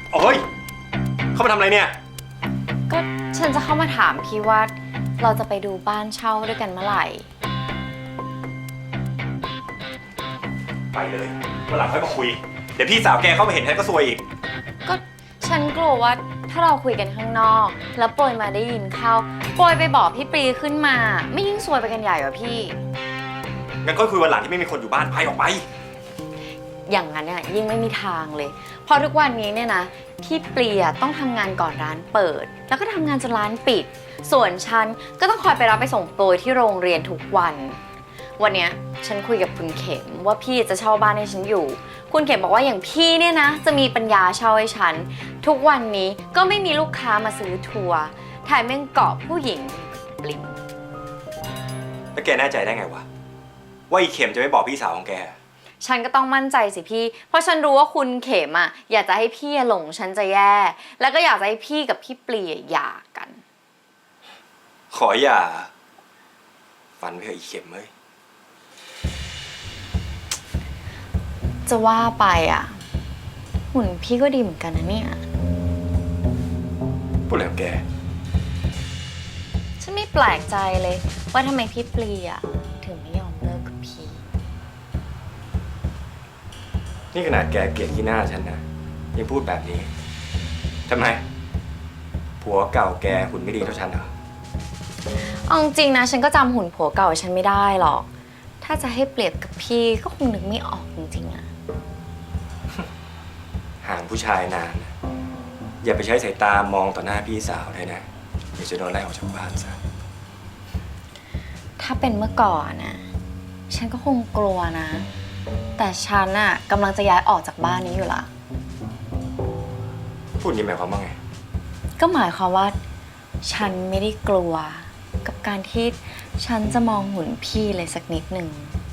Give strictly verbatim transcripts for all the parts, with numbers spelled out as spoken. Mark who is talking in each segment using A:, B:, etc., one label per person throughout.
A: โอ้ยเข้ามาทำอะไรเนี่ย
B: ก็ฉันจะเข้ามาถามพี่ว่าเราจะไปดูบ้านเช่าด้วยกันเมื่อไหร่
A: ไปเลยวันหลังค่อยมาคุยเดี๋ยวพี่สาวแกเข้ามาเห็นแทนก็ซวยอีก
B: ก็ฉันกลัวว่าถ้าเราคุยกันข้างนอกแล้วโปรยมาได้ยินเข้าโปรยไปบอกพี่ปรีขึ้นมาไม่ยิ่งซวยไปกันใหญ่เหรอพี่
A: งั้นค่อยคุยวันหลังที่ไม่มีคนอยู่บ้านไปออกไป
B: อย่างนั้นเนี่ยยิ่งไม่มีทางเลยเพราะทุกวันนี้เนี่ยนะพี่เปลี่ยต้องทำงานก่อนร้านเปิดแล้วก็ทำงานจนร้านปิดส่วนฉันก็ต้องคอยไปรับไปส่งโปรยที่โรงเรียนทุกวันวันเนี้ยฉันคุยกับคุณเข็มว่าพี่จะเช่าบ้านให้ฉันอยู่คุณเข็มบอกว่าอย่างพี่เนี่ยนะจะมีปัญญาเช่าให้ฉันทุกวันนี้ก็ไม่มีลูกค้ามาซื้อทัวร์แถมยังเกาะผู้หญิงปลิง
A: แล้วแกแน่ใจได้ไงวะว่าอีเข็มจะไม่บอกพี่สาวของแก
B: ฉันก็ต้องมั่นใจสิพี่เพราะฉันรู้ว่าคุณเข็มอ่ะอยากจะให้พี่หลงฉันจะแย่แล้วก็อยากจะให้พี่กับพี่เปลี่ยหย่ากัน
A: ขออย่าฟันไปเถอะอีเข็มเอ้ย
B: จะว่าไปอ่ะหุ่นพี่ก็ดีเหมือนกันนะเนี่ย
A: พูดอะไรของแก
B: ฉันไม่แปลกใจเลยว่าทำไมพี่เปลี่ยถึงไม่ยอมเลิกกับพี่
A: นี่ขนาดแกเกลียดที่หน้าฉันนะยังพูดแบบนี้ทำไมผัวเก่าแกหุ่นไม่ดีเท่าฉันเหรอ
B: เอาจริงนะฉันก็จำหุ่นผัวเก่าฉันไม่ได้หรอกถ้าจะให้เปรียบกับพี่ก็คงนึกไม่ออกจริงๆอะ
A: ห่างผู้ชายนานอย่าไปใช้สายตามองต่อหน้าพี่สาวเลยนะเดี๋ยวจะโดนไล่ออกจากบ้านซะ
B: ถ้าเป็นเมื่อก่อนนะฉันก็คงกลัวนะแต่ฉันอะกำลังจะย้ายออกจากบ้านนี้อยู่ละ
A: พูดนี้หมายความว่าไง
B: ก็หมายความว่าฉันไม่ได้กลัวกับการที่ฉันจะมองหุ่นพี่เลยสักนิดหนึ่ง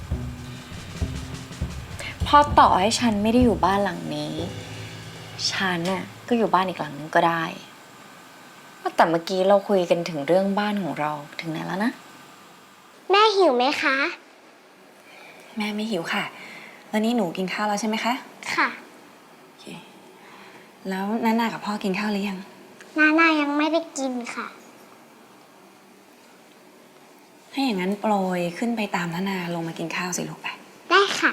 B: พอต่อให้ฉันไม่ได้อยู่บ้านหลังนี้ฉันน่ะก็อยู่บ้านอีกหลังนึงก็ได้แต่เมื่อกี้เราคุยกันถึงเรื่องบ้านของเราถึงไหนแล้วนะ
C: แม่หิวไหมคะ
D: แม่ไม่หิวค่ะแล้วนี่หนูกินข้าวแล้วใช่ไหมคะ
C: ค่ะ
D: โอเคแล้วน้านากับพ่อกินข้าวหรือยัง
C: น้านายังไม่ได้กินค่ะ
D: ถ้าอย่างนั้นโปรยขึ้นไปตามน้านาลงมากินข้าวสิลูกไป
C: ได้ค่ะ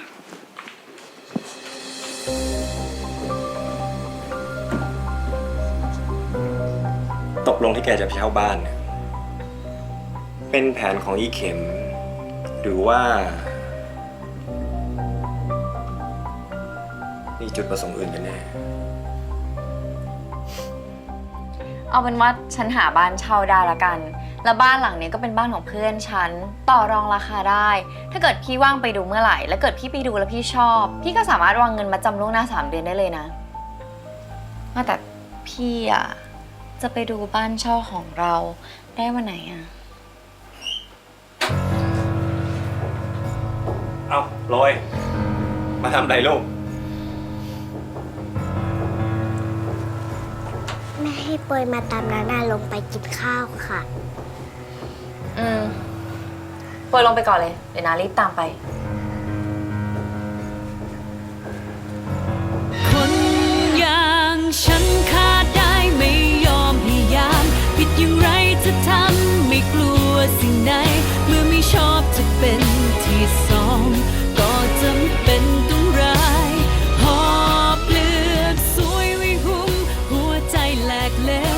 A: ตกลงที่แกจะไปเช่าบ้านเนี่ยเป็นแผนของอีเข็มหรือว่ามีจุดประสงค์อื่นกันแน่
B: เอาเป็นว่าฉันหาบ้านเช่าได้ละกันแล้วบ้านหลังนี้ก็เป็นบ้านของเพื่อนฉันต่อรองราคาได้ถ้าเกิดพี่ว่างไปดูเมื่อไหร่แล้วเกิดพี่ไปดูแล้วพี่ชอบพี่ก็สามารถวางเงินมาจำล่วงหน้าสามเดือนได้เลยนะแต่พี่อ่ะจะไปดูบ้านเช่าของเราได้วันไหนอ่ะ
A: เอาลอยมาทำไรลูก
C: แม่ให้ปอยมาตามน้านาลงไปกินข้าวค่ะ
B: อืมปอยลงไปก่อนเลยเดี๋ยวนารีบตามไป